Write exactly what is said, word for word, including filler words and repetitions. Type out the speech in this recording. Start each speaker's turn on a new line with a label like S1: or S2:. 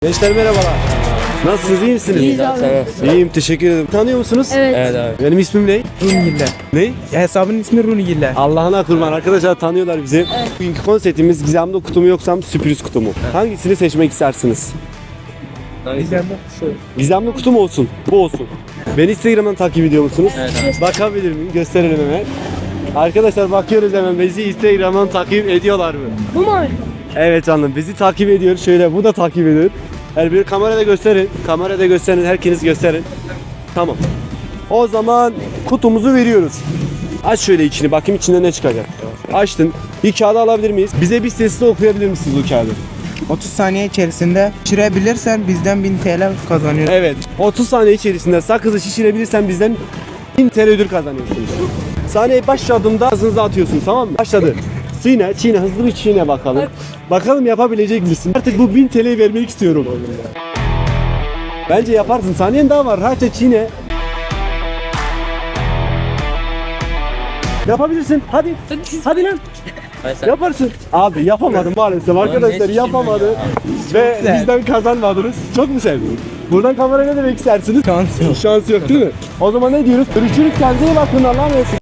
S1: Gençler merhabalar. Nasılsınız, iyi misiniz?
S2: İyiyiz abi.
S1: İyiyim, teşekkür ederim. Tanıyor musunuz?
S2: Evet.
S3: Evet abi.
S1: Benim ismim ne?
S4: Runigiller.
S1: Ne?
S4: Hesabın ismi Runigiller.
S1: Allah'ına kurban. Arkadaşlar tanıyorlar bizi. Bugünkü konseptimiz gizemli kutu mu yoksam sürpriz kutu mu? Hangisini seçmek istersiniz? Gizemli kutu mu olsun? Bu olsun. Beni Instagram'dan takip ediyor musunuz?
S2: Evet.
S1: Bakabilir miyim? Gösterelim hemen. Arkadaşlar bakıyoruz hemen. Bizi Instagram'dan takip ediyorlar mı?
S2: Bu mu abi?
S1: Evet canım, bizi takip ediyor. Şöyle bu da takip ediyor. Her biri kamerada gösterin. Kamerada gösterin. Herkes gösterin. Tamam. O zaman kutumuzu veriyoruz. Aç şöyle içini. Bakayım içinde ne çıkacak. Açtın. Bir kağıdı alabilir miyiz? Bize bir sesli okuyabilir misiniz bu kağıdı?
S4: otuz saniye içerisinde şişirebilirsen bizden bin T L kazanıyorsun.
S1: Evet. otuz saniye içerisinde sakızı şişirebilirsen bizden bin T L ödül kazanıyorsunuz. Sahneye başladığımda ağzınıza atıyorsunuz, tamam mı? Başladı. Çiğne, çiğne, hızlı bir çiğne bakalım. Bakalım yapabilecek misin? Artık bu bin T L'yi vermek istiyorum. Bence yaparsın. Saniyen daha var. Rahatça çiğne. Yapabilirsin. Hadi. Hadi lan. Yaparsın. Abi yapamadım maalesef. Arkadaşlar yapamadı. Ve bizden kazanmadınız. Çok mu sevdin? Buradan kameraya ne demek istersiniz?
S4: Şans yok.
S1: Şans yok değil mi? O zaman ne diyoruz? Görüşürüz. Kendinize iyi bakın. Allah'a emanet.